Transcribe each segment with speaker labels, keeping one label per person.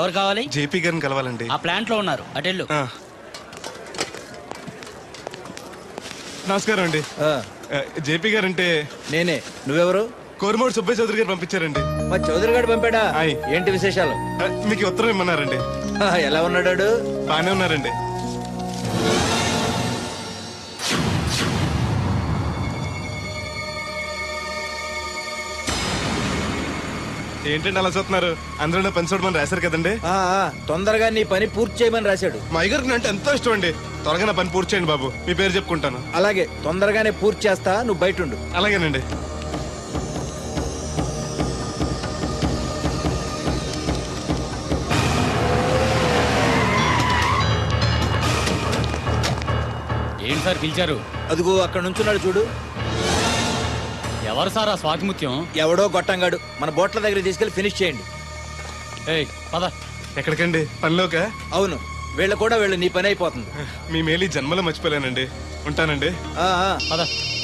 Speaker 1: ఎవరు కావాలి?
Speaker 2: జేపీ గారిని కలవాలండి.
Speaker 1: ఆ ప్లాంట్ లో ఉన్నారు, అటెళ్ళు.
Speaker 2: నమస్కారం అండి. జేపీ గారు అంటే
Speaker 3: నేనే. నువ్వెవరు?
Speaker 2: కోరమూడు సుబ్బయ్య చౌదరి గారు పంపించారండి.
Speaker 3: మా చౌదరి గారు పంపాడా? ఏంటి విశేషాలు?
Speaker 2: మీకు ఉత్తరం ఇమ్మన్నారండి.
Speaker 3: ఎలా ఉన్నాడు?
Speaker 2: బానే ఉన్నారండి. ఏంటండి అలా చూస్తున్నారు? అందరూ పని చూడమని రాశారు కదండి.
Speaker 3: తొందరగా నీ పని పూర్తి చేయమని రాశాడు.
Speaker 2: మా అయ్యగారికి అంటే ఎంతో ఇష్టం అండి. త్వరగా నా పని పూర్తి చేయండి బాబు. మీ పేరు చెప్పుకుంటాను.
Speaker 3: అలాగే, తొందరగానే పూర్తి చేస్తా, నువ్వు బయట ఉండు.
Speaker 2: అలాగేనండి.
Speaker 1: ఏంటి సార్ పిలిచారు?
Speaker 3: అదిగో అక్కడ నుంచున్నాడు చూడు.
Speaker 1: ఎవరు సార్ ఆ స్వాతిముత్యం?
Speaker 3: ఎవడో గొట్టంగాడు. మన బోట్ల దగ్గర తీసుకెళ్లి ఫినిష్ చేయండి.
Speaker 1: పద.
Speaker 2: ఎక్కడికండి? పనిలోక?
Speaker 3: అవును, వీళ్ళ కూడా వీళ్ళు నీ పని అయిపోతుంది.
Speaker 2: మీ మేలు జన్మలో మర్చిపోలేనండి. ఉంటానండి.
Speaker 1: పద.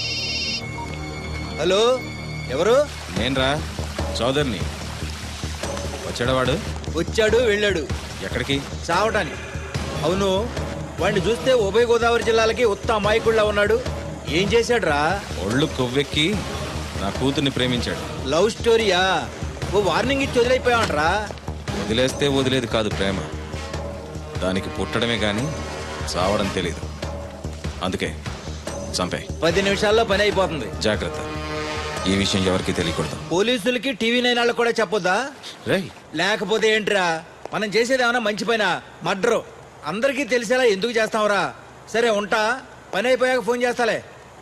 Speaker 3: హలో, ఎవరు?
Speaker 4: నేనరా, చౌదరిని. వచ్చాడవాడు?
Speaker 3: వచ్చాడు, వెళ్ళాడు.
Speaker 4: ఎక్కడికి?
Speaker 3: చావటానికి. అవును, వాడిని చూస్తే ఉభయ గోదావరి జిల్లాలకి ఉత్త అమాయకుళ్ళ ఉన్నాడు. ఏం చేశాడు రా?
Speaker 4: ఒళ్ళు కొవ్వెక్కి నా కూతుర్ని ప్రేమించాడు.
Speaker 3: లవ్ స్టోరీయా? ఓ వార్నింగ్ ఇచ్చి వదిలేకపోయావంటరా?
Speaker 4: వదిలేస్తే వదిలేదు కాదు ప్రేమ. దానికి పుట్టడమే గాని చావడం తెలీదు. అందుకే చంపే.
Speaker 3: 10 నిమిషాల్లో పని అయిపోతుంది.
Speaker 4: జాగ్రత్త, ఈ విషయం ఎవరికి తెలియకూడదు.
Speaker 3: పోలీసులకి టీవీ 9 వాళ్ళకి కూడా చెప్పొద్దా?
Speaker 4: రేయ్,
Speaker 3: లేకపోతే ఏంట్రా, మనం చేసేది ఏమన్నా మంచి పైన మర్డరు. అందరికీ తెలిసేలా ఎందుకు చేస్తావురా? సరే ఉంటా, పని అయిపోయాక ఫోన్ చేస్తాలే.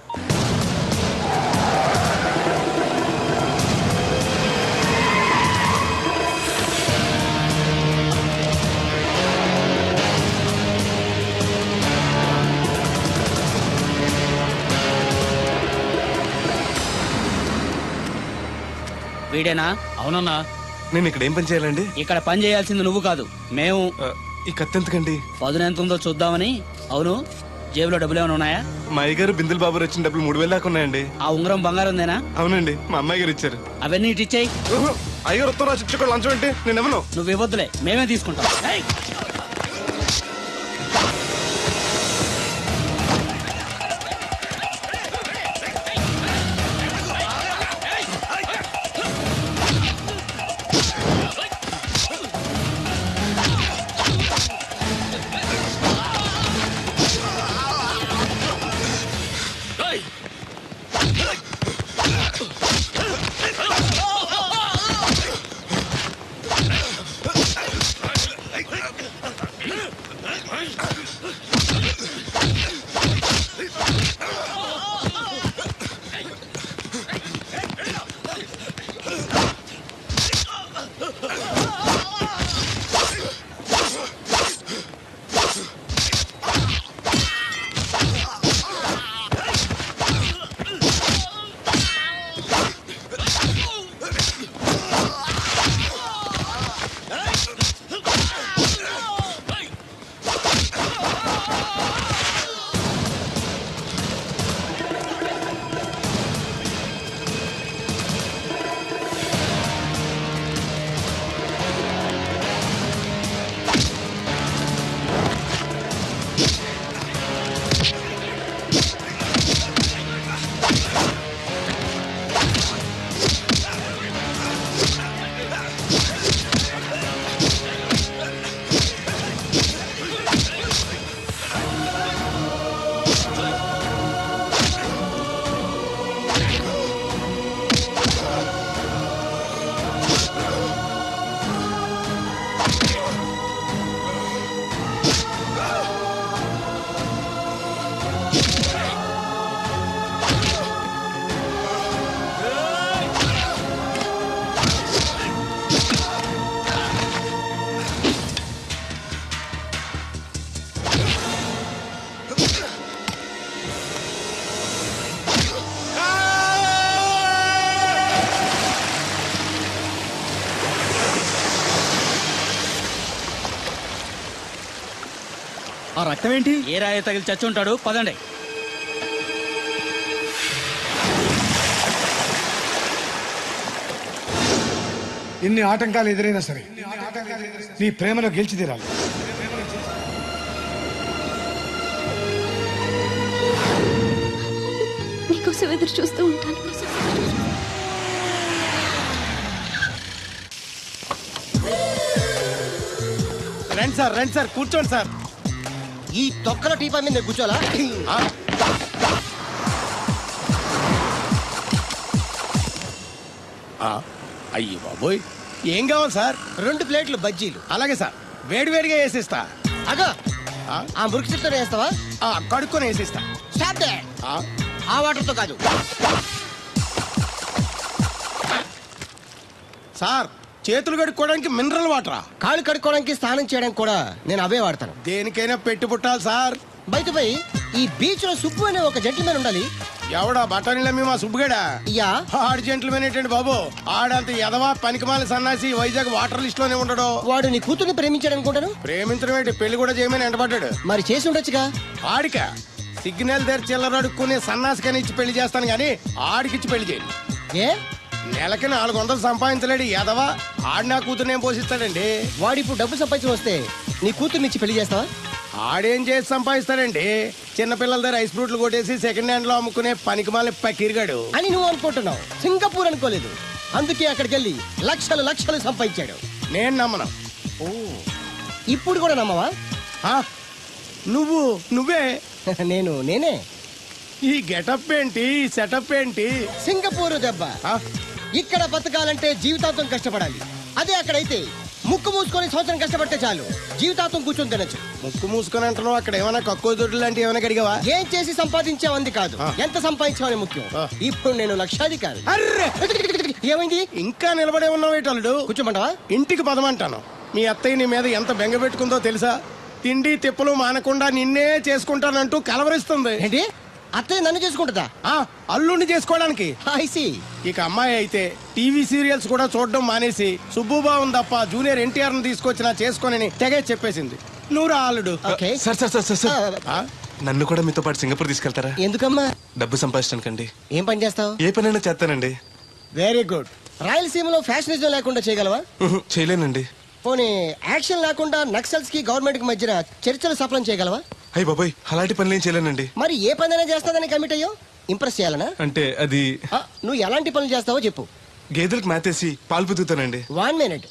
Speaker 1: వీడేనా? అవునన్నా.
Speaker 2: నేను ఇక్కడ ఏం పని చేయాలండి?
Speaker 1: ఇక్కడ పని చేయాల్సింది నువ్వు కాదు, మేము.
Speaker 2: ఈ కత్తి ఎందుకండి?
Speaker 1: పదును ఎంత ఉందో చూద్దామని. అవును, జేబులో డబ్బులు ఏమైనా ఉన్నాయా?
Speaker 2: మా అయ్యగారు బిందులు బాబు వచ్చిన డబ్బులు 3000 దాకా ఉన్నాయండి.
Speaker 1: ఆ ఉంగరం బంగారందేనా?
Speaker 2: అవునండి, మా అమ్మాయి గారు ఇచ్చారు.
Speaker 1: అవన్నీ ఇటు ఇచ్చేయి.
Speaker 2: అయ్యగారు ఉత్తరం రాసి ఇచ్చుకోవాలి. లంచం అంటే నేను ఎవను?
Speaker 1: నువ్వు ఇవ్వద్దులే, మేమే తీసుకుంటాం.
Speaker 5: ఆ రక్తం ఏంటి?
Speaker 1: ఏ రాయ తగిలి చచ్చి ఉంటాడు. పదండి.
Speaker 6: ఎన్ని ఆటంకాలు ఎదురైనా సరే నీ ప్రేమలో గెలిచి తీరాలి.
Speaker 7: నీకోసం ఎదురు చూస్తూ ఉంటాను.
Speaker 8: రండి సార్ కూర్చోండి సార్.
Speaker 9: ఈ తొక్కల టీపా మీద నేను కూర్చోాలా?
Speaker 8: అయ్యి బాబోయ్, ఏం కావాలి సార్?
Speaker 9: 2 ప్లేట్లు బజ్జీలు.
Speaker 8: అలాగే సార్, వేడివేడిగా వేసిస్తా.
Speaker 9: అగా ఆ మురికి చెప్తా వేస్తావా?
Speaker 8: కడుక్కొని వేసిస్తా.
Speaker 9: స్టాప్ దే. ఆ వాటర్ తో కాదు
Speaker 8: సార్, చేతులు కడుక్కోవడానికి మినరల్ వాటరా?
Speaker 9: కాళ్ళు కడుక్కోవడానికి స్నానం చేయడానికి కూడా నేను అవే వాడతాను.
Speaker 8: దేనికైనా పెట్టి పుట్టాలి సార్.
Speaker 9: బయటపై ఈ బీచ్ లో సుబ్బు అనే ఒక జెంటిల్మెన్ ఉండాలి.
Speaker 8: ఎవడా బఠానీలమ్మి మా సుబ్బుగడా?
Speaker 9: యా.
Speaker 8: ఆడు జెంట్లమేన్ ఏంటండి బాబు? ఆడంత ఎదవా పనికిమాల సన్నాసి వైజాగ్ వాటర్ లిస్ట్ లోనే ఉండడు.
Speaker 9: వాడు నీ కూతుర్ని ప్రేమించాడు అనుకుంటాను.
Speaker 8: ప్రేమించడం ఏంటి, పెళ్లి కూడా చేయమని ఎంటపడ్డాడు.
Speaker 9: మరి చేసి ఉండొచ్చుగా.
Speaker 8: ఆడిక సిగ్నల్ దగ్గర చిల్లర అడుక్కునే సన్నాసికని ఇచ్చి పెళ్లి చేస్తాను గానీ ఆడికిచ్చి పెళ్లి చేయండి.
Speaker 9: ఏ
Speaker 8: నెలకి 400 సంపాదించలేడు ఎదవా. ఆడి నా కూతురు ఏం పోషిస్తాడండి?
Speaker 9: వాడు ఇప్పుడు డబ్బు సంపాదించి వస్తే నీ కూతుర్ని ఇచ్చి పెళ్లి చేస్తావా?
Speaker 8: ఆడేం చేసి సంపాదిస్తాడండి? చిన్నపిల్లల దగ్గర ఐస్ ఫ్రూట్లు కొట్టేసి సెకండ్ హ్యాండ్ లో అమ్ముకునే పనికిమాల పకీర్గాడు
Speaker 9: అని నువ్వు అనుకుంటున్నావు. సింగపూర్ అనుకోలేదు. అందుకే అక్కడికి వెళ్ళి లక్షలు లక్షలు సంపాదించాడు.
Speaker 8: నేను నమ్మను.
Speaker 9: ఇప్పుడు కూడా నమ్మవా?
Speaker 8: ఆ? నువ్వే
Speaker 9: నేనే.
Speaker 8: ఈ గెటప్ ఏంటి, ఈ సెటప్ ఏంటి?
Speaker 9: సింగపూర్ దెబ్బ.
Speaker 8: ఆ?
Speaker 9: ఇక్కడ బతకాలంటే జీవితాంతం కష్టపడాలి. అదే అక్కడైతే ముక్కు మూసుకొని సంవత్సరం కష్టపడితే చాలు, జీవితాంతం కూర్చొని తినచ్చు.
Speaker 8: ముక్కు మూసుకొని అంటున్నావు, అక్కడ ఏమైనా కక్కువ దొడ్లు లాంటివి ఏమైనా కడిగావా?
Speaker 9: ఏం చేసి సంపాదించావంది కాదు, ఎంత సంపాదించావని ముఖ్యం. ఇప్పుడు నేను లక్షాధికారి.
Speaker 8: అర్రే,
Speaker 9: ఏమైంది?
Speaker 8: ఇంకా నిలబడే ఉన్నావు ఏటల్లుడు?
Speaker 9: కూర్చోమంటావా?
Speaker 8: ఇంటికి పదమంటాను. మీ అత్తయ్య నీ మీద ఎంత బెంగ పెట్టుకుందో తెలుసా? తిండి తిప్పలు మానకుండా నిన్నే చేసుకుంటానంటూ కలవరిస్తుంది.
Speaker 9: ఏంటి? అత్తయ్య నన్ను చేసుకుంటుందా?
Speaker 8: అల్లుండి చేసుకోవడానికి.
Speaker 9: I see.
Speaker 8: ఇక అమ్మాయి అయితే టీవీ సీరియల్స్ కూడా చూడడం మానేసి సుబ్బుబాబుని తప్ప జూనియర్ ఎన్టీఆర్ ని తీసుకొచ్చి నా చేసుకోనని తెగే చెప్పేసింది. నువ్వు రా అల్లుడు.
Speaker 9: ఓకే.
Speaker 2: సార్ నన్ను కూడా మీతో పాటు సింగపూర్ తీసుకెళ్తారా?
Speaker 9: ఎందుకమ్మా?
Speaker 2: డబ్బు సంపాదించడానికండి.
Speaker 9: ఏం పని చేస్తావు?
Speaker 2: ఏ పనైనా చేస్తానండి.
Speaker 9: Very good. రాయలసీమలో ఫ్యాషనిజం లేకుండా చేయగలవా?
Speaker 2: చేయలేనండి.
Speaker 9: పోనీ యాక్షన్ లేకుండా నక్సల్స్ కి గవర్నమెంట్ కి మధ్యన చర్చలు సఫలం చేయగలవా?
Speaker 2: అయ్యి బాబాయ్, అలాంటి పనులు ఏం చేయలేనండి.
Speaker 9: మరి ఏ పనైనా చేస్తాదని కమిట్ అయ్యో? ఇంప్రెస్ చేయాలనా?
Speaker 2: అంటే అది
Speaker 9: నువ్వు ఎలాంటి పనులు చేస్తావో చెప్పు.
Speaker 2: గేదెలకు మేతేసి పాలు పుదుగుతానండి.
Speaker 9: 1 minute.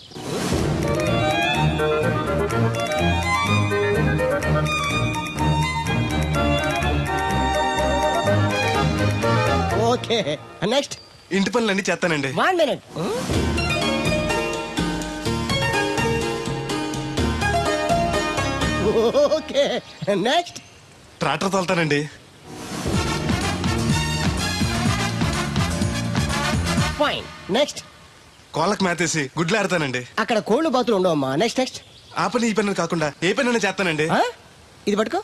Speaker 9: Okay, next.
Speaker 2: ఇంటి పనులన్నీ చేస్తానండి.
Speaker 9: 1 minute. Okay, next.
Speaker 2: ట్రాక్టర్ తోలుతానండి.
Speaker 9: Fine, next.
Speaker 2: కోళ్ళకు మేతేసి గుడ్లు ఆడతానండి.
Speaker 9: అక్కడ కోళ్ళు బాతులు ఉండవమ్మా. నెక్స్ట్.
Speaker 2: ఆ పని ఈ పని కాకుండా ఏ పనైనా చేస్తానండి.
Speaker 9: ఇది పట్టుకో.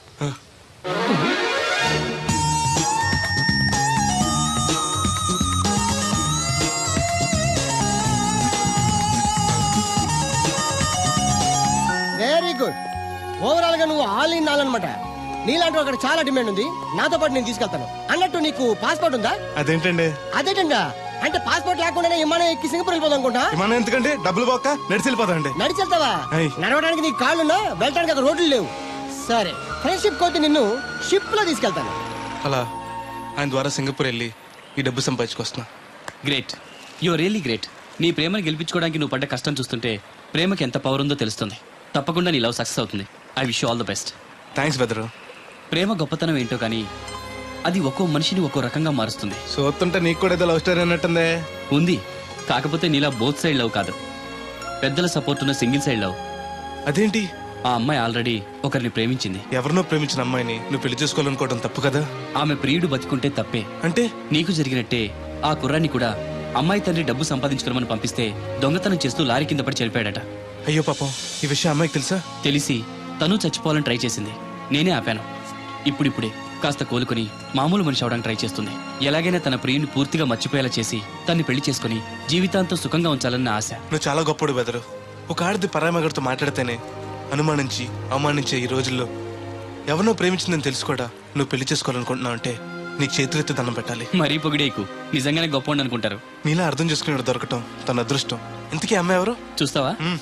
Speaker 9: Very good. ఓవరాల్ గా నువ్వు ఆల్ ఇన్ ఆల్ అనమాట. నీలాంటి అక్కడ చాలా డిమాండ్ ఉంది. నాతో పాటు నేను తీసుకెళ్తాను. అన్నట్టు నీకు పాస్పోర్ట్ ఉందా?
Speaker 2: అదేంటండి?
Speaker 9: అదేటంగా అంటే పాస్పోర్ట్ లేకుండానే విమానం ఎక్కి సింగపూర్ వెళ్ళిపోదాం అనుకుంటా.
Speaker 2: విమానం ఎందుకంటే డబ్బులు పోక నడిచి వెళ్ళిపోతాండి.
Speaker 9: నడిచి వెళ్తావా? నడవడానికి నీకు కాళ్ళున్నా, వెళ్ళడానికి అక్కడ రోడ్లు లేవు. సరే, ఫ్రెండ్షిప్ కోతి నిన్ను షిప్ లో తీసుకెళ్తాను.
Speaker 2: అలా ఆయన ద్వారా సింగపూర్ వెళ్ళి ఈ డబ్బు సంపాదించుకొస్తున్నా.
Speaker 1: Great, your really great. నీ ప్రేమను గెలిపించుకోవడానికి నువ్వు పడ్డ కష్టం చూస్తుంటే ప్రేమకి ఎంత పవర్ ఉందో తెలుస్తుంది. తప్పకుండా నీ లవ్ సక్సెస్ అవుతుంది. I wish you all the best.
Speaker 2: Thanks బెదరు.
Speaker 1: ప్రేమ గొప్పతనం ఏంటో కానీ అది ఒక్కో మనిషిని ఒక్కో రకంగా మారుస్తుంది.
Speaker 2: చూస్తుంటే నీకు కూడా ఏదో లవ్ స్టోరీ అన్నట్టుందే.
Speaker 1: ఉంది, కాకపోతే నీలా బోత్ సైడ్ లవ్ కాదు, పెద్దల సపోర్ట్ ఉన్న సింగిల్ సైడ్ లవ్.
Speaker 2: అదేంటి?
Speaker 1: ఆ అమ్మాయి ఆల్రెడీ ఒకరిని ప్రేమించింది.
Speaker 2: ఎవరినో ప్రేమించిన అమ్మాయిని నువ్వు పెళ్లి చేసుకోవాలనుకోవడం తప్పు కదా?
Speaker 1: ఆమె ప్రియుడు బతికుంటే తప్పే.
Speaker 2: అంటే
Speaker 1: నీకు జరిగినట్టే ఆ కుర్రాన్ని కూడా అమ్మాయి తండ్రి డబ్బు సంపాదించుకోమని పంపిస్తే దొంగతనం చేస్తూ లారీ కింద పడి చనిపోయాడట.
Speaker 2: అయ్యో పాపం, ఈ విషయం అమ్మాయికి తెలుసా?
Speaker 1: తెలిసి తను చచ్చిపోవాలని ట్రై చేసింది. నేనే ఆపాను. ఇప్పుడిప్పుడే కాస్త కోలుకొని మామూలు మనిషి అవడానికి ట్రై చేస్తుంది. ఎలాగైనా తన ప్రియుని పూర్తిగా మర్చిపోయేలా చేసి తన్ని పెళ్లి చేసుకుని జీవితాంతం సుఖంగా ఉంచాలన్న ఆశ.
Speaker 2: నువ్వు చాలా గొప్పడు బెదరు. ఒక ఆడది పరామగడితో మాట్లాడితేనే అనుమానించి అవమానించే ఈ రోజుల్లో ఎవరినో ప్రేమించిందని తెలుసుకోడా నువ్వు పెళ్లి చేసుకోవాలనుకుంటున్నావు అంటే నీకు చేతులెత్తి దండం పెట్టాలి.
Speaker 1: మరీ పొగిడేకు, నిజంగానే గొప్ప అనుకుంటారు.
Speaker 2: నీలా అర్థం చేసుకునే దొరకటం తన అదృష్టం. ఇంతకీ అమ్మాయి ఎవరు?
Speaker 1: చూస్తావా?
Speaker 2: మ్మ్.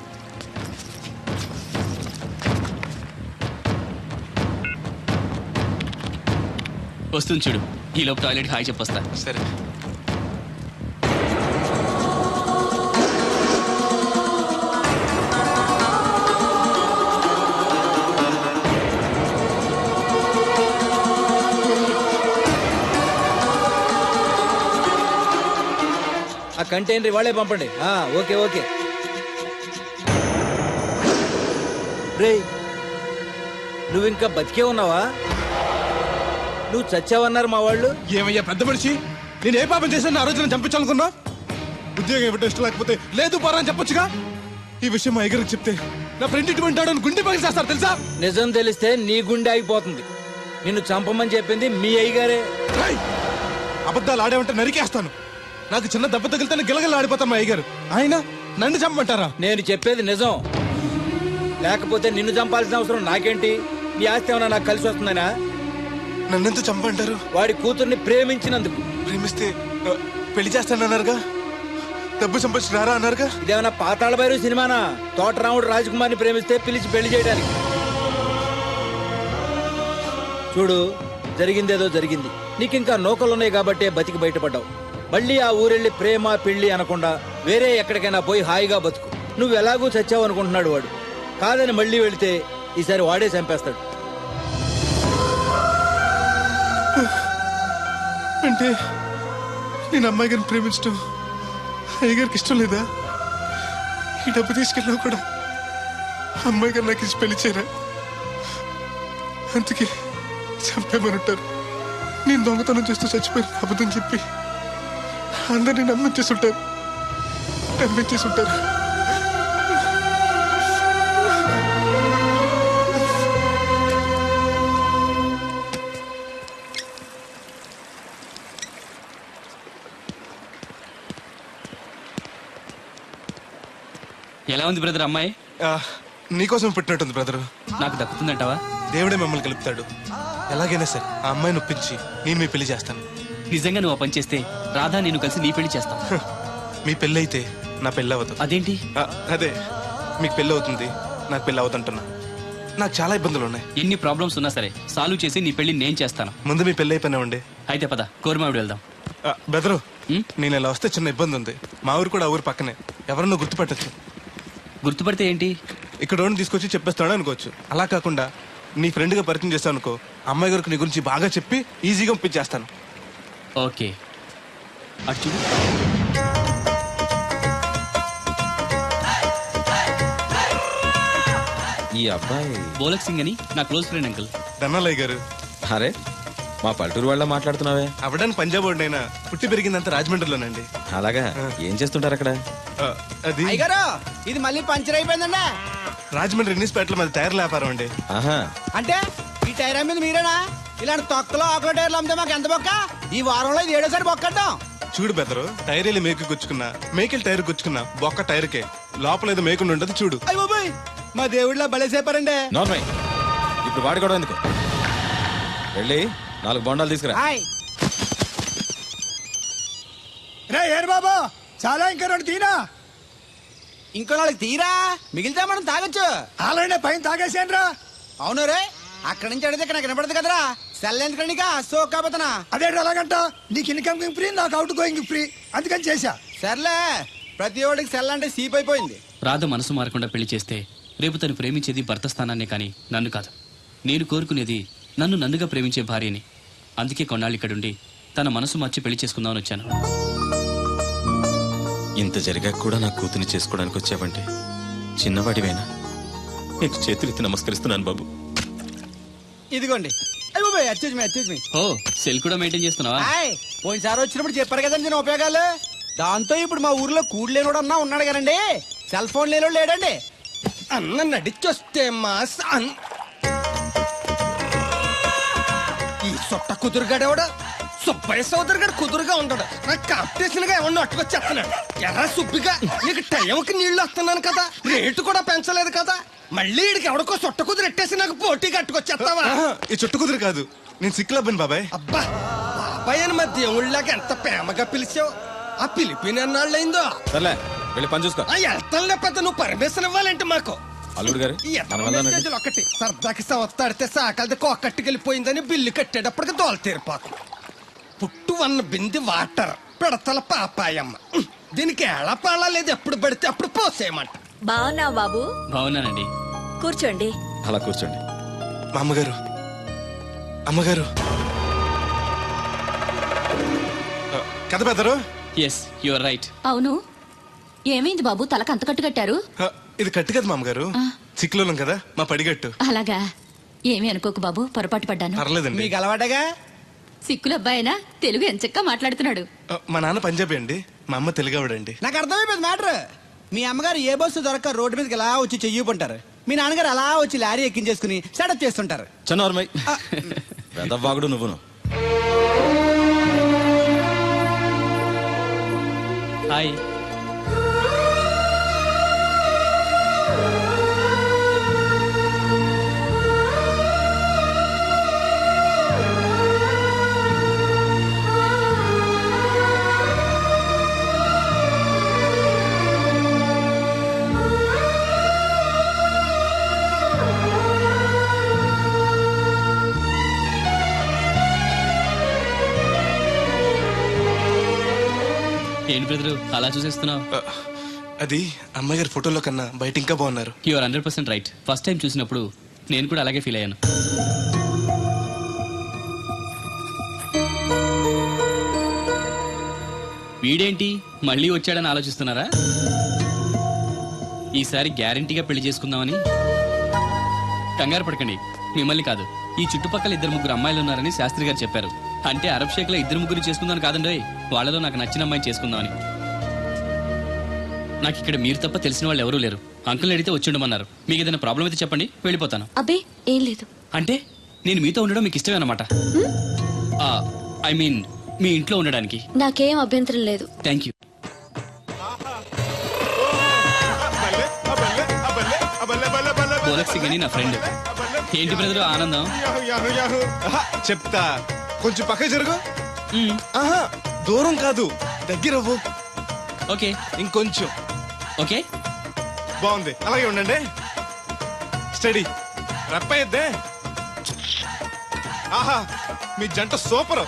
Speaker 1: వస్తుంది చూడు. ఈ లోపు టాయిలెట్ హాయ్ చెప్పొస్తా.
Speaker 2: సరే.
Speaker 3: ఆ కంటైనర్ వాళ్ళే పంపండి. Okay okay. రే, నువ్వు ఇంకా బతికే ఉన్నావా? నువ్వు చచ్చావన్నారు మా వాళ్ళు.
Speaker 2: ఏమయ్యా పెద్ద మనిషి, నేను ఏ పాపం చేశాను ఆ రోజున చంపించాలనుకున్నా? ఉద్యోగం ఇవ్వటం ఇష్టం లేకపోతే లేదు పోరా అని చెప్పొచ్చుగా. ఈ విషయం మా అయ్యగారికి చెప్తే నా ఫ్రెండ్ ఇటువంటి వాడు గుండె పగిలి చేస్తారు తెలుసా?
Speaker 3: నిజం తెలిస్తే నీ గుండె ఆగిపోతుంది. నిన్ను చంపమని చెప్పింది మీ అయ్యగారే.
Speaker 2: రేయ్! అబద్ధాలు ఆడేమంటే నరికేస్తాను. నాకు చిన్న దెబ్బ తగిలితే గిలగల ఆడిపోతాం మా అయ్యగారు. ఆయన నన్ను చంపమంటారా?
Speaker 3: నేను చెప్పేది నిజం. లేకపోతే నిన్ను చంపాల్సిన అవసరం నాకేంటి? నీ ఆస్తి ఏమన్నా నాకు కలిసి వస్తుందనా?
Speaker 2: నన్నెందుకు చంపంటారు?
Speaker 3: వాడి కూతుర్ని ప్రేమించినందుకు.
Speaker 2: ప్రేమిస్తే పెళ్లి చేస్తానన్నారుగా, డబ్బు సంపాదించి రారా అన్నారుగా.
Speaker 3: ఇదేమన్నా పాతాళ భైరవి సినిమానా? తోటరాముడు రాజకుమార్ని ప్రేమిస్తే పిలిచి పెళ్లి చేయడానికి. చూడు, జరిగిందేదో జరిగింది. నీకింకా నూకలున్నాయి కాబట్టే బతికి బయటపడ్డావు. మళ్ళీ ఆ ఊరెళ్ళి ప్రేమ పెళ్లి అనకుండా వేరే ఎక్కడికైనా పోయి హాయిగా బతుకు. నువ్వు ఎలాగూ చచ్చావు అనుకుంటున్నాడు వాడు. కాదని మళ్ళీ వెళితే ఈసారి వాడే చంపేస్తాడు.
Speaker 2: అంటే నేను అమ్మాయి గారిని ప్రేమించడం అయ్యగారికి ఇష్టం లేదా? ఈ డబ్బు తీసుకెళ్ళినా కూడా అమ్మాయి గారు నాకు ఇచ్చి పెళ్లి చేయరా? అందుకే చంపేమని ఉంటారు. నేను దొంగతనం చేస్తూ చచ్చిపోయిన అబద్ధం చెప్పి అందరినీ నమ్మించేస్తుంటారు.
Speaker 1: ఎలా ఉంది బ్రదర్ అమ్మాయి?
Speaker 2: నీకోసం పుట్టినట్టుంది బ్రదరు.
Speaker 1: నాకు దక్కుతుందంటావా?
Speaker 2: దేవుడే మమ్మల్ని కలుపుతాడు. ఎలాగైనా సరే ఆ అమ్మాయిని ఒప్పించి నేను మీ పెళ్లి చేస్తాను.
Speaker 1: నిజంగా నువ్వు ఆ పని చేస్తే రాధా నేను కలిసి నీ పెళ్లి చేస్తాం.
Speaker 2: మీ పెళ్ళి అయితే నా పెళ్ళి అవ్వదు.
Speaker 1: అదేంటి?
Speaker 2: అదే, మీకు పెళ్ళి అవుతుంది, నాకు పెళ్ళి అవుతుంటున్నా. నాకు చాలా ఇబ్బందులు ఉన్నాయి.
Speaker 1: ఎన్ని ప్రాబ్లమ్స్ ఉన్నా సరే సాల్వ్ చేసి నీ పెళ్లి నేను చేస్తాను.
Speaker 2: ముందు మీ పెళ్ళి అయిపోయినా ఉండే.
Speaker 1: అయితే పద కోరమావిడి వెళ్దాం.
Speaker 2: బెదరు,
Speaker 1: ఉం?
Speaker 2: నేను ఇలా వస్తే చిన్న ఇబ్బంది ఉంది. మా ఊరు కూడా ఆ ఊరు పక్కనే. ఎవరన్నా గుర్తుపట్టచ్చు.
Speaker 1: గుర్తుపడితే ఏంటి?
Speaker 2: ఇక్కడ తీసుకొచ్చి చెప్పేస్తాడు అనుకోవచ్చు. అలా కాకుండా నీ ఫ్రెండ్గా పరిచయం చేస్తాను అనుకో, అమ్మాయి గారికి నీ గురించి బాగా చెప్పి ఈజీగా పంపించేస్తాను.
Speaker 1: ఓకే, అటు చూడు.
Speaker 4: ఈ అబ్బాయి
Speaker 1: బోలక్ సింగ్ అని నా క్లోజ్ ఫ్రెండ్ అంకుల్.
Speaker 2: ధనాలయ్య గారు.
Speaker 4: అరే, మా పల్లెటూరు వాళ్ళ మాట్లాడుతున్నావే?
Speaker 2: అవడానికి పంజాబ్ వాడినైనా పుట్టి పెరిగిందంతా రాజమండ్రిలోనండి.
Speaker 4: అలాగా? ఏం చేస్తుంటారు అక్కడ?
Speaker 2: అది
Speaker 8: అయ్యగారు, ఇది మళ్ళీ పంచర్ అయిపోయిందండి.
Speaker 2: రాజమండ్రి ఇన్నిస్పేటలో మాది టైర్ల వ్యాపారం అండి.
Speaker 4: ఆహా,
Speaker 8: అంటే ఈ టైర్ అమ్మేది మీరేనా? ఇలాంటి తొక్కలో ఆకుల టైర్లు అమ్మితే మాకు ఎంత బొక్క? ఈ వారంలో ఇది 7వ సారి బొక్కడ్డాం.
Speaker 2: చూడు బెదరు, టైర్ వెళ్ళి మేకు గుచ్చుకున్నా, మేకెళ్ళి టైర్ గుచ్చుకున్నా, బొక్క టైర్కే. లోపల ఏదో మేకుండా ఉండదు చూడు.
Speaker 8: అయ్య బాబాయ్, మా దేవుడిలా బలేసేపారండి.
Speaker 4: నార్మల్. ఇప్పుడు వాడి కూడా ఎందుకు? వెళ్ళి 4 బొండాలు తీసుకురా.
Speaker 8: రే ఏరు బాబా, చాలా ఇంకా 2 తీరా. ఇంకో 4 తీరా, మిగిలితే మనం తాగొచ్చు. ఆల్రెడీ పైన తాగేసాను రా. అవును రే, అక్కడి నుంచి అడిగితే నాకు వినపడదు కదరా. సెల్ ఎందుకనిక సోక్ కాబోతున్నా. అదే అలాగంట, నీకు ఇన్కమింగ్ ఫ్రీ, నాకు అవుట్ గోయింగ్ ఫ్రీ, అందుకని చేశా. సర్లే, ప్రతి ఒడికి సెల్ అంటే సీప్ అయిపోయింది.
Speaker 1: రాధ మనసు మారకుండా పెళ్లి చేస్తే రేపు తను ప్రేమించేది భర్త స్థానాన్నే కానీ నన్ను కాదు. నేను కోరుకునేది నన్ను నన్నుగా ప్రేమించే భార్యని. అందుకే కొన్నాళ్ళు ఇక్కడుండి తన మనసు మార్చి పెళ్లి చేసుకుందామని వచ్చాను.
Speaker 4: ఇంత జరిగాక కూడా నా కూతుని చేసుకోవడానికి వచ్చావంటే చిన్నవాడివేనా? నీకు చేతులెత్తి నమస్కరిస్తున్నాను బాబు.
Speaker 8: ఇదిగోండి. అయ్య బాబాయ్, అచ్చేజ్ మీ.
Speaker 1: ఓ, సెల్ కూడా మెయింటైన్ చేస్తున్నావా?
Speaker 8: పోయినసారి వచ్చినప్పుడు చెప్పారు కదండి నేను ఉపయోగాలు. దాంతో ఇప్పుడు మా ఊర్లో కూడు లేనోడు అన్నా ఉన్నాడు కదండి. సెల్ ఫోన్ లేనోడు లేడండి. అన్న నడిచొస్తే మాస్ ఈ సొట్ట కుదురుగాడేవాడు సుబ్బయ్య సోదరు గారు కుదురుగా ఉంటాడు. నాకు కాంపిటీషన్ గా ఏమన్నా అట్టుకొచ్చేస్తున్నాడు. ఎరా సుబ్బిగా, నీకు టైంకి నీళ్లు వస్తున్నాను కదా, రేటు కూడా పెంచలేదు కదా, మళ్ళీ ఇడికి ఎవడికో సొట్ట కుదురు ఎట్టేసి నాకు పోటీ కట్టుకొచ్చేస్తావా?
Speaker 2: ఈ చుట్టు కుదురు కాదు, నేను సిక్కులబ్బాను బాబాయ్.
Speaker 8: అబ్బా, బాబాయ్ అని మా దేవుళ్ళకి ఎంత ప్రేమగా పిలిచావు. ఆ పిలిపిన ఎన్నాళ్ళైందో.
Speaker 4: సర్లే, వెళ్ళి పని చూసుకో.
Speaker 9: వెళ్తాను లేకపోతే నువ్వు పర్మిషన్ ఇవ్వాలంటే మాకు
Speaker 4: అల్లుడు గారు
Speaker 9: ఈ
Speaker 4: మన వెళ్దానండి.
Speaker 9: మెసేజ్లు ఒకటి సరదాకి సంవత్సరాడితే సాకలది కొక్కట్టుకెళ్ళిపోయిందని బిల్లు కట్టేటప్పటికి దోల తీరిపోతాం. పుట్టు వన్న బింది వాటర్ పిడతల పాపాయమ్మ దీనికి ఎలా పాడాలేదు, ఎప్పుడు పడితే అప్పుడు పోసేయమంట.
Speaker 7: బాగున్నావు బాబు?
Speaker 1: బాగున్నానండి.
Speaker 7: కూర్చోండి.
Speaker 4: అలా కూర్చోండి.
Speaker 2: మా అమ్మగారు అమ్మగారు కథ పెద్దరు.
Speaker 1: Yes you are right.
Speaker 7: అవును, ఏమైంది బాబు తలకు అంత కట్టు కట్టారు?
Speaker 2: ఇది కట్టు కదా మా అమ్మగారు, చిక్కులోలం కదా మా పడిగట్టు.
Speaker 7: అలాగా, ఏమీ అనుకోకు బాబు, పొరపాటు పడ్డాను.
Speaker 2: పర్లేదండి.
Speaker 8: మీకు అలవాటగా.
Speaker 7: సిక్కుల అబ్బాయినా తెలుగు ఎంచక్కా మాట్లాడుతున్నాడు.
Speaker 2: మా నాన్న పంజాబీ అండి, మా అమ్మ తెలుగావిడండి.
Speaker 8: నాకు అర్థమైపోయింది మ్యాటర్. మీ అమ్మగారు ఏ బస్సు దొరక్క రోడ్డు మీదకి ఎలా వచ్చి చెయ్యిపుంటారు, మీ నాన్నగారు అలా వచ్చి లారీ ఎక్కించేసుకుని సెటప్ చేస్తుంటారు.
Speaker 4: చన్నోర్మై వెదవ్వాగుడు నువ్వును.
Speaker 1: హాయ్. ఏంటి బ్రదరు అలా చూసేస్తున్నావు?
Speaker 2: అది అమ్మగారి ఫోటోలో కన్నా బయట ఇంకా బాగున్నారు.
Speaker 1: You are 100% right. First time చూసినప్పుడు నేను కూడా అలాగే ఫీల్ అయ్యాను. వీడేంటి మళ్ళీ వచ్చాడని ఆలోచిస్తున్నారా? ఈసారి గ్యారంటీగా పెళ్లి చేసుకుందామని. కంగారు పడకండి, మిమ్మల్ని కాదు, ఈ చుట్టుపక్కల 2-3 అమ్మాయిలు ఉన్నారని శాస్త్రి గారు చెప్పారు. అంటే అరబ్ షేక్ లో 2-3 చేసుకుందామని కాదండి, వాళ్ళలో నాకు నచ్చిన అమ్మాయిని చేసుకుందామని. నాకు ఇక్కడ మీరు తప్ప తెలిసిన వాళ్ళు ఎవరూ లేరు. అంకుల్ని అడిగితే వచ్చి ఉండమన్నారు. మీకు ఏదైనా ప్రాబ్లం అయితే చెప్పండి, వెళ్ళిపోతాను.
Speaker 7: అబ్బే ఏం లేదు.
Speaker 1: అంటే నేను మీతో ఉండడం మీకు ఇష్టమే అన్నమాట. ఐ మీన్ మీ ఇంట్లో ఉండడానికి.
Speaker 7: నాకేం అభ్యంతరం లేదు.
Speaker 1: Thank you. పోలక్ సింగ్ అని నా ఫ్రెండ్. ఏంటి బ్రదర్ ఆనందం?
Speaker 2: చెప్తా, కొంచెం పక్క జరుగు.
Speaker 1: మ్మ్.
Speaker 2: ఆహా, దూరం కాదు, దగ్గర అవ్వు.
Speaker 1: ఓకే
Speaker 2: ఇంకొంచెం.
Speaker 1: ఓకే.
Speaker 2: బాగుంది, అలాగే ఉండండి. స్టడీ రప్పయ్యద్దే. ఆహా, మీ జంట సూపర్.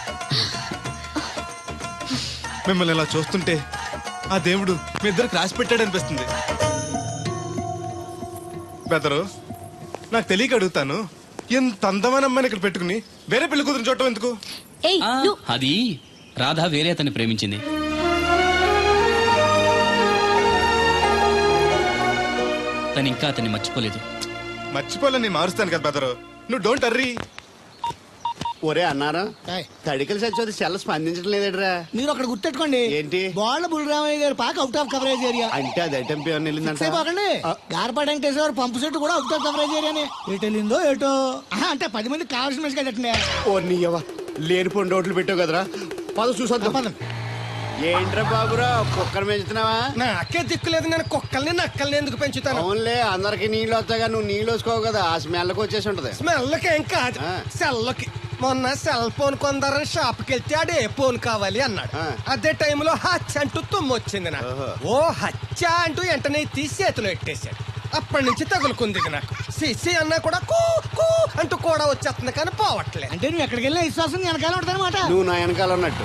Speaker 2: మిమ్మల్ని ఇలా చూస్తుంటే ఆ దేవుడు మీ ఇద్దరికి రాసి పెట్టాడు అనిపిస్తుంది. బెదరు, నాకు తెలియక అడుగుతాను, ఎంత అందమైన అమ్మాయిని ఇక్కడ పెట్టుకుని వేరే పెళ్లి కూతురు చూడటం ఎందుకు?
Speaker 7: ఏయ్ నువ్వు
Speaker 1: అది రాధ వేరే అతన్ని ప్రేమించింది. తను ఇంకా అతన్ని మర్చిపోలేదు.
Speaker 2: మర్చిపోలేని మారుస్తాను కదా బెదరు, నువ్వు డోంట్ అర్రీ.
Speaker 10: ఒరే అన్నారా, తడికలు సచ్చి సెల్ స్పందించడం లేదట్రా.
Speaker 8: మీరు అక్కడ గుర్తెట్టుకోండి,
Speaker 10: ఏంటి
Speaker 8: బాళ్ళ బుల్రామయ్య గారు పాక అవుట్ ఆఫ్ కవరేజ్ ఏరియా.
Speaker 10: అంటే అది ఐటమ్ పేరు వెళ్ళిందంట.
Speaker 8: బాగండి గార్పాడు వెంకటేశ్వర పంపు సెట్ కూడా అవుట్ ఆఫ్ కవరేజ్ ఏరియానే. ఎటు వెళ్ళిందో ఏటో. అంటే 10 మంది కావాల్సిన మనిషి కదండి.
Speaker 10: ఓ నీయవా, లేనిపోండి రోడ్లు పెట్టావు కదరా. పద చూసొద్దాం. ఏంట్రా బాబురా, కుక్కర్ పెంచుతున్నావా?
Speaker 9: నాకే దిక్కులేదు, నేను కుక్కల్ని నక్కల్ని ఎందుకు పెంచుతాను?
Speaker 10: అవునులే, అందరికి నీళ్ళు వస్తాగా, నువ్వు నీళ్ళు వేసుకోవు కదా, ఆ స్మెల్కి వచ్చేసి ఉంటది.
Speaker 9: స్మెల్కి ఏం కాదు, సెల్కి. మొన్న సెల్ ఫోన్ కొందరని షాప్కి వెళ్తే ఆడు ఏ ఫోన్ కావాలి అన్నాడు. అదే టైంలో హచ్చ అంటూ తుమ్మొచ్చింది నాకు. ఓ హచ్చ అంటూ వెంటనే తీసి చేతిలో ఎట్టేశాడు. అప్పటి నుంచి తగులుకుంది ఇది నాకు. సిసి అన్నా కూడా కూ కూ అంటూ కూడా వచ్చేస్తుంది కానీ పోవట్లేదు.
Speaker 8: అంటే నువ్వు ఎక్కడికి వెళ్ళినా విశ్వాసం వెనకాల ఉంటుందన్నమాట.
Speaker 10: నువ్వు నా వెనకాల ఉన్నట్టు.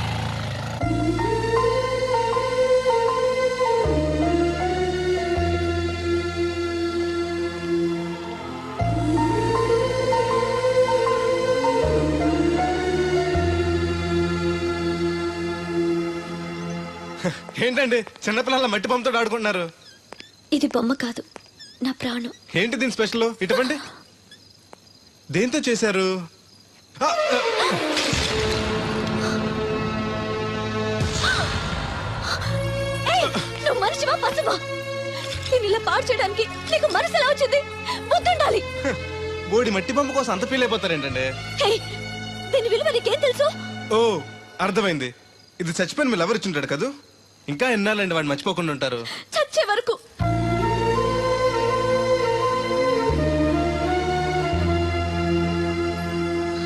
Speaker 2: ఏంటండి చిన్నపిల్లల మట్టి బొమ్మతో ఆడుకుంటున్నారు?
Speaker 7: ఇది బొమ్మ కాదు, నా ప్రాణం.
Speaker 2: ఏంటి దీని స్పెషల్? ఇటువంటి దేంతో చేశారు?
Speaker 7: నువ్వు మనిషివా పశువా? నేను ఇలా పాడు చేయడానికి నీకు మనసు ఎలా వచ్చింది? బుద్ధుండాలి.
Speaker 2: బోడి మట్టి బొమ్మ కోసం అంత ఫీల్ అయిపోతారేంటండి?
Speaker 7: దీని విలువ నీకేం తెలుసు?
Speaker 2: ఓ అర్థమైంది, ఇది చచ్చిపోయిన మీ లవర్ ఇచ్చుంటాడు కదా. ఇంకా ఎన్నాలండి వాడిని మర్చిపోకుండా ఉంటారు?
Speaker 7: చచ్చే వరకు.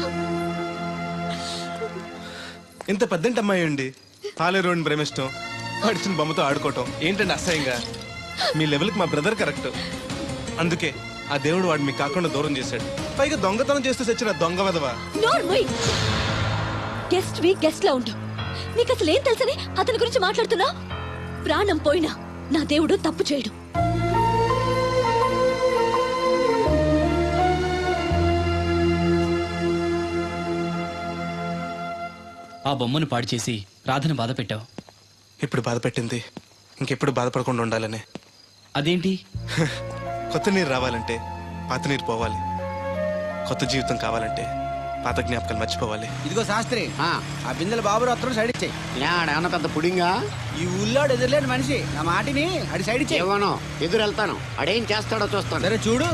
Speaker 2: ఇంత పెద్దంటి అమ్మాయి అండి, పాలేరోని ప్రేమిష్టం, పడిచిన బొమ్మతో ఆడుకోవటం ఏంటండి అసహ్యంగా? మీ లెవెల్కి మా బ్రదర్ కరెక్ట్. అందుకే ఆ దేవుడు వాడు మీకు కాకుండా దూరం చేశాడు. పైగా దొంగతనం చేస్తూ చచ్చిన దొంగ వెధవా.
Speaker 7: గెస్ట్ వి గెస్ట్ లా ఉండు. నీకు అసలు ఏం తెలుసని అతని గురించి మాట్లాడుతున్నా? ప్రాణం పోయినా నా దేవుడు తప్పు చేయడు.
Speaker 1: ఆ బొమ్మను పాడు చేసి రాధను బాధ పెట్టావు.
Speaker 2: ఇప్పుడు బాధ పెట్టింది ఇంకెప్పుడు బాధపడకుండా ఉండాలనే.
Speaker 1: అదేంటి?
Speaker 2: కొత్త నీరు రావాలంటే పాత నీరు పోవాలి. కొత్త జీవితం కావాలంటే పాత జ్ఞాపకాలు మర్చిపోవాలి.
Speaker 8: ఇదిగో శాస్త్రి, ఆ బిందెల బాబు అత్తరు సైడ్ ఇచ్చేయి.
Speaker 10: ఏమన్నా పెద్ద పుడింగా?
Speaker 8: ఈ ఊళ్ళో ఎదురులేని మనిషి నా మాటిని అడి సైడ్ ఇచ్చేయి.
Speaker 10: ఏమనో ఎదురు వెళ్తాను, అడేం చేస్తాడో చూస్తాను.
Speaker 8: సరే చూడు.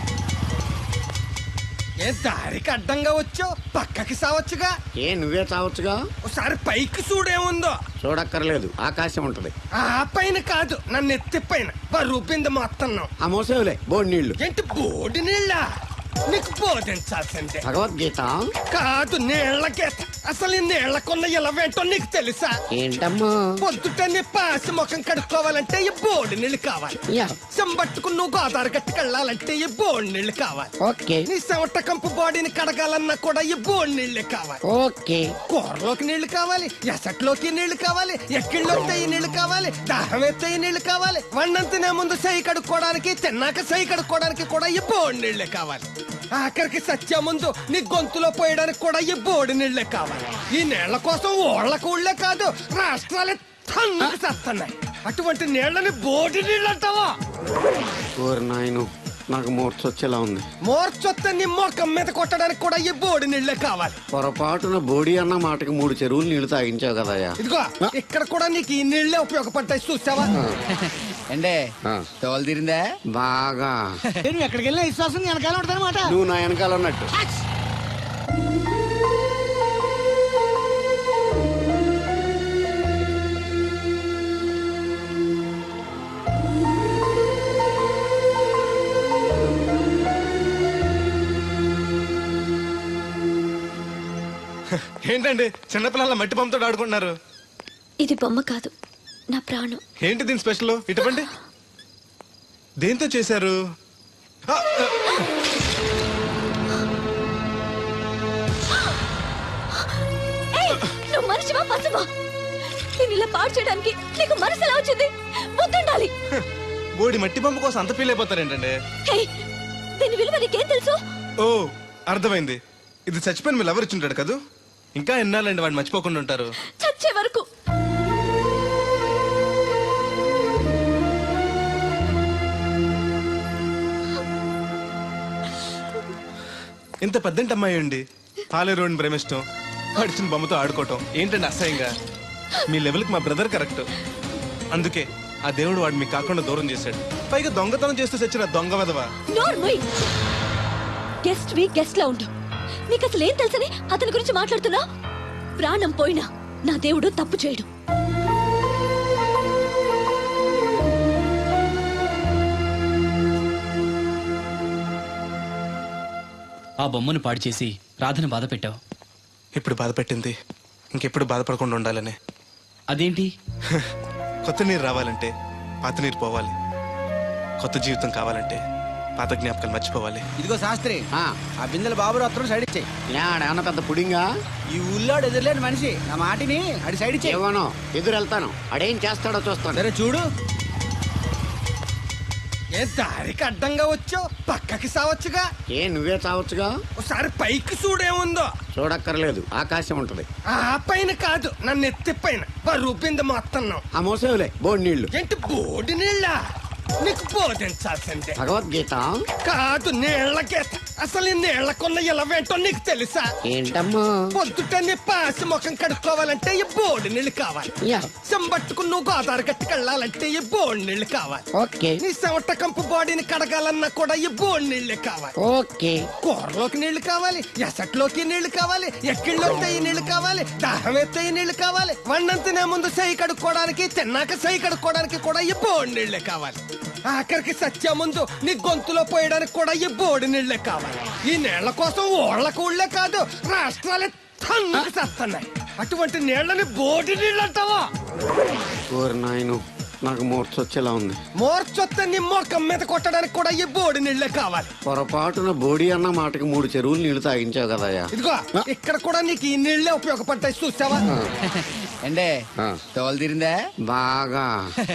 Speaker 9: ఏ దారికి అడ్డంగా వచ్చావు, పక్కకి సావచ్చుగా.
Speaker 10: ఏ నువ్వే చావచ్చుగా.
Speaker 9: ఒకసారి పైకి చూడేముందో.
Speaker 10: చూడక్కర్లేదు, ఆకాశం ఉంటది.
Speaker 9: ఆ పైన కాదు, నన్ను ఎత్తి పైన రూపింది మొత్తం.
Speaker 10: ఆ మోసేవులే బోడి నీళ్లు.
Speaker 9: ఏంటి బోడి నీళ్ళ? నీకు బోధించాల్సిందే.
Speaker 10: భగవద్గీత
Speaker 9: కాదు, నీళ్ళ గీత. అసలు ఈ నీళ్లకున్న ఇలవేంటో నీకు తెలుసా?
Speaker 10: ఏంటమ్మా?
Speaker 9: పొద్దుటని పాసి ముఖం కడుక్కోవాలంటే ఈ బోడి నీళ్ళు కావాలి.
Speaker 10: యా.
Speaker 9: చెంబట్టుకుని నువ్వు గోదావరి గట్టుకెళ్ళాలంటే ఈ బోడి నీళ్ళు కావాలి.
Speaker 10: ఓకే.
Speaker 9: నీ చెమట కంపు బాడీని కడగాలన్నా కూడా ఈ బోడి నీళ్ళే కావాలి.
Speaker 10: ఓకే.
Speaker 9: కూరలోకి నీళ్లు కావాలి, ఎసట్లోకి నీళ్లు కావాలి, ఎక్కిళ్ళొస్తే ఈ నీళ్లు కావాలి, దాహం ఎత్తే ఈ నీళ్లు కావాలి. వండం తినే ముందు సై కడుక్కోవడానికి, తిన్నాక సై కడుక్కోవడానికి కూడా ఈ బోడి నీళ్లే కావాలి. ఆఖరికి సత్య ముందు నీ గొంతులో పోయడానికి కూడా ఈ బోడి నీళ్లే కావాలి. ఈ నీళ్ల కోసం ఓళ్లకు ఊళ్ళే కాదు, రాష్ట్రాలే తన్నుకు చేస్తున్నాయి. అటువంటి నీళ్లని బోడి నీళ్ళు అంటావా?
Speaker 10: ఓరి నాయను, నాకు మూర్చొచ్చేలా ఉంది.
Speaker 9: మోర్చొత్తే నీ మొఖం మీద కొట్టడానికి కూడా ఈ బోడి నీళ్లే కావాలి.
Speaker 10: పొరపాటున బోడి అన్న మాటకి 3 చెరువులు నీళ్లు తాగించావు కదయ్యా.
Speaker 9: ఇదిగో ఇక్కడ కూడా నీకు ఈ నీళ్లే ఉపయోగపడతాయి, చూసావా?
Speaker 8: అంటే తోలు తీరిందా?
Speaker 10: బాగా.
Speaker 8: నువ్వు ఎక్కడికి వెళ్ళినా విశ్వాసం వెనకాల ఉంటదన్నమాట.
Speaker 10: నువ్వు నా వెనకాల ఉన్నట్టు.
Speaker 2: ఏంటండి చిన్నపిల్లల మట్టి బొమ్మతో ఆడుకుంటున్నారు?
Speaker 7: ఇది బొమ్మ కాదు, నా ప్రాణం.
Speaker 2: ఏంటి దీని స్పెషల్? ఇటువంటి దేంతో చేశారు?
Speaker 7: నువ్వు మనిషివా పశువా? నేను ఇలా పాడు చేయడానికి నీకు మనసు ఎలా వచ్చింది? బుద్ధుండాలి.
Speaker 2: బోడి మట్టి బొమ్మ కోసం అంత ఫీల్ అయిపోతారేంటండి?
Speaker 7: దీని విలువ నీకేం తెలుసు?
Speaker 2: ఓ అర్థమైంది. ఇది చచ్చిపోయిన మీ లవర్ ఇచ్చుంటాడు కదా. ఇంకా ఎన్నాలండి వాడు మర్చిపోకుండా ఉంటారు?
Speaker 7: చచ్చే వరకు.
Speaker 2: ఇంత పెద్దంటి అమ్మాయి అండి పాలేరోని ప్రేమిష్టం, పడిచిన బొమ్మతో ఆడుకోవటం ఏంటండి అసహ్యంగా? మీ లెవెల్కి మా బ్రదర్ కరెక్ట్. అందుకే ఆ దేవుడు వాడు మీకు కాకుండా దూరం చేశాడు. పైగా దొంగతనం చేస్తూ చచ్చిన దొంగ వెధవా.
Speaker 7: గెస్ట్ వి గెస్ట్ లా ఉండు. నీకు అసలు ఏం తెలుసని అతని గురించి మాట్లాడుతున్నా? ప్రాణం పోయినా నా దేవుడు తప్పు చేయడు.
Speaker 1: ఆ బొమ్మను పాడు చేసి రాధను బాధ పెట్టావు.
Speaker 2: ఇప్పుడు బాధ పెట్టింది ఇంకెప్పుడు బాధపడకుండా ఉండాలనే.
Speaker 1: అదేంటి?
Speaker 2: కొత్త నీరు రావాలంటే పాత నీరు పోవాలి. కొత్త జీవితం కావాలంటే పాత జ్ఞాపకాలు మర్చిపోవాలి.
Speaker 8: ఇదిగో శాస్త్రి, ఆ బిందెల బాబు అత్తరు సైడ్ ఇచ్చేయి.
Speaker 10: ఏమన్నా పెద్ద పుడింగా?
Speaker 8: ఈ ఊళ్ళో ఎదురులేని మనిషి నా మాటిని అడి సైడ్ ఇచ్చేయి.
Speaker 10: ఏమనో ఎదురు వెళ్తాను, అడేం చేస్తాడో చూస్తాను.
Speaker 8: సరే చూడు.
Speaker 9: ఏ దారికి అడ్డంగా వచ్చావు, పక్కకి సావచ్చుగా.
Speaker 10: ఏ నువ్వే చావచ్చుగా.
Speaker 9: ఒకసారి పైకి చూడేముందో.
Speaker 10: చూడక్కర్లేదు, ఆకాశం ఉంటది.
Speaker 9: ఆ పైన కాదు, నన్ను ఎత్తి పైన రూపింది మొత్తం.
Speaker 10: ఆ మోసేవులే బోడి నీళ్లు.
Speaker 9: ఏంటి బోడి నీళ్ళ? నీకు బోధించాల్సిందే.
Speaker 10: భగవద్గీత
Speaker 9: కాదు, నీళ్ల గీత. అసలు ఈ నీళ్లకున్న ఇలవేంటో నీకు తెలుసా?
Speaker 10: ఏంటమ్మా?
Speaker 9: పొద్దుటని పాసి ముఖం కడుక్కోవాలంటే ఈ బోడి నీళ్ళు కావాలి.
Speaker 10: యా.
Speaker 9: చెంబట్టుకుని నువ్వు గోదావరి గట్టుకెళ్ళాలంటే ఈ బోడి నీళ్ళు కావాలి.
Speaker 10: ఓకే.
Speaker 9: నీ చెమట కంపు బాడీని కడగాలన్నా కూడా ఈ బోడి నీళ్ళే కావాలి.
Speaker 10: ఓకే.
Speaker 9: కూరలోకి నీళ్లు కావాలి, ఎసట్లోకి నీళ్లు కావాలి, ఎక్కిళ్ళొస్తే ఈ నీళ్లు కావాలి, దాహం ఎత్తే ఈ నీళ్లు కావాలి. వండం తినే ముందు సై కడుక్కోవడానికి, తిన్నాక సై కడుక్కోవడానికి కూడా ఈ బోడి నీళ్లే కావాలి. ఆఖరికి సత్య ముందు నీ గొంతులో పోయడానికి కూడా ఈ బోడి నీళ్లే కావాలి. ఈ నీళ్ల కోసం ఓళ్లకు ఊళ్ళే కాదు, రాష్ట్రాలే తన్నుకు చేస్తున్నాయి. అటువంటి నీళ్లని బోడి నీళ్ళు అంటావా?
Speaker 10: ఓరి నాయను నాకు మూర్చొచ్చేలా ఉంది.
Speaker 9: మోర్చొత్తే నీ మొఖం మీద కొట్టడానికి కూడా ఈ బోడి నీళ్లే కావాలి.
Speaker 10: పొరపాటున బోడి అన్న మాటకి 3 చెరువులు నీళ్లు తాగించావు కదయ్యా.
Speaker 9: ఇదిగో ఇక్కడ కూడా నీకు ఈ నీళ్లే ఉపయోగపడతాయి చూసావా?
Speaker 8: అండే తోలు తీరిందా?
Speaker 10: బాగా